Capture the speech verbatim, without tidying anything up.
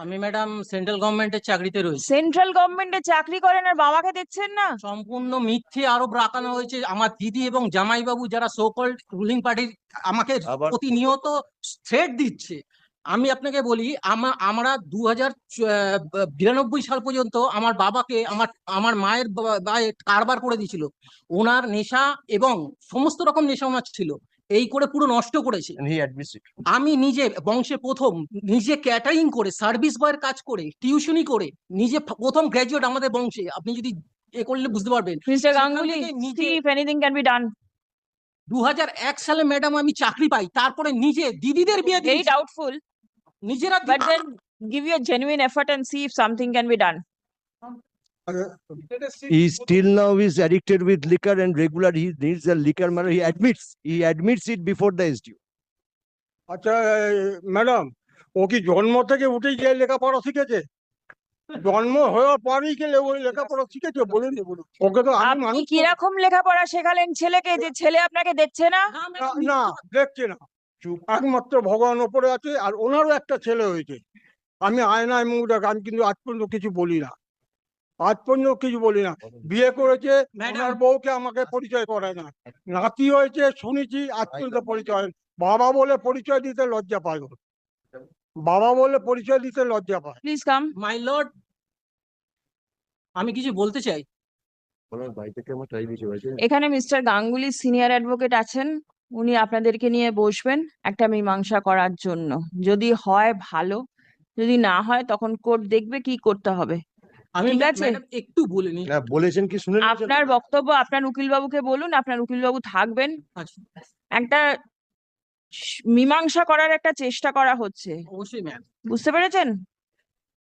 আমি madam central গভর্নমেন্টের চাকরিতে রয়েছি। সেন্ট্রাল গভর্নমেন্টে চাকরি করেন আর বাবাকে দেখছেন না? সম্পূর্ণ মিথ্যে আরোপ রাখানো হয়েছে। আমার দিদি এবং জামাইবাবু যারা সো কল্ড রুলিং পার্টির আমাকে আবার- প্রতিনিয়ত থ্রেট দিচ্ছে। আমি আপনাকে বলি, আমা- আমরা দু হাজার বিরানব্বই সাল পর্যন্ত আমার বাবাকে আমার আমার মায়ের বা- বায়ে কারবার করে দিয়েছিল। ওনার নেশা এবং সমস্ত রকম নেশা ওনার ছিল, এই করে পুরো নষ্ট করেছে। And he admits it. আমি নিজে বংশে প্রথম নিজে ক্যাটারিং করে সার্ভিস বয়ের কাজ করে টিউশনি করে নিজে প্রথম গ্র্যাজুয়েট আমাদের বংশে। আপনি যদি এ করলে বুঝতে পারবেন। মিস্টার সেখান গাঙ্গুলি, থেকে নিজে see if anything can be done. দু হাজার এক সালে ম্যাডাম আমি চাকরি পাই, তারপরে নিজে দিদিদের বিয়ে Very দিয়েছি doubtful, নিজেরা। but then give your genuine effort and see if something can be done. He still now is addicted with liquor and regular he needs a liquor matter. He admits, he admits it before the S D O. আচ্ছা madam, ও কি জন্ম থেকে উঠেই গিয়ে লেখাপড়া শিখেছে? জন্ম হওয়ার পরেই গেলে ওই লেখাপড়া শিখেছে? বলুন বলুন, ওকে তো আমি আপনি মানুষ কিরকম লেখাপড়া শেখালেন ছেলেকে যে ছেলে আপনাকে দেখছে না? হ্যাঁ, না, ম্যাডাম, না দেখছে না, একমাত্র ভগবান ওপরে আছে। আর ওনারও একটা ছেলে হয়েছে। আমি আয়নায় মুখ দেখ, আমি কিন্তু আজ পর্যন্ত কিছু বলি না, আজ পর্যন্ত কিছু বলি না। বিয়ে করেছে, ম্যাডাম। ওনার বউকে আমাকে পরিচয় করায় না। নাতি হয়েছে শুনেছি, আজ পর্যন্ত পরিচয় হয়নি। বাবা বলে পরিচয় দিতে লজ্জা পায় ও। বাবা বলে পরিচয় দিতে লজ্জা পায়। Please come. মাই লর্ড, আমি কিছু বলতে চাই। এখানে মিস্টার গাঙ্গুলি সিনিয়র অ্যাডভোকেট আছেন, উনি আপনাদেরকে নিয়ে বসবেন একটা মীমাংসা করার জন্য। যদি হয় ভালো, যদি না হয় তখন কোর্ট দেখবে কি করতে হবে। আমি ঠিক আছে। ম্যাডাম একটু বলে নি। না বলেছেন কি শুনে নিয়েছেন? আপনার বক্তব্য আপনার উকিলবাবুকে বলুন, আপনার উকিলবাবু থাকবেন। আচ্ছা, একটা স- মীমাংসা করার একটা চেষ্টা করা হচ্ছে, অবশ্যই ম্যাম। বুঝতে পেরেছেন?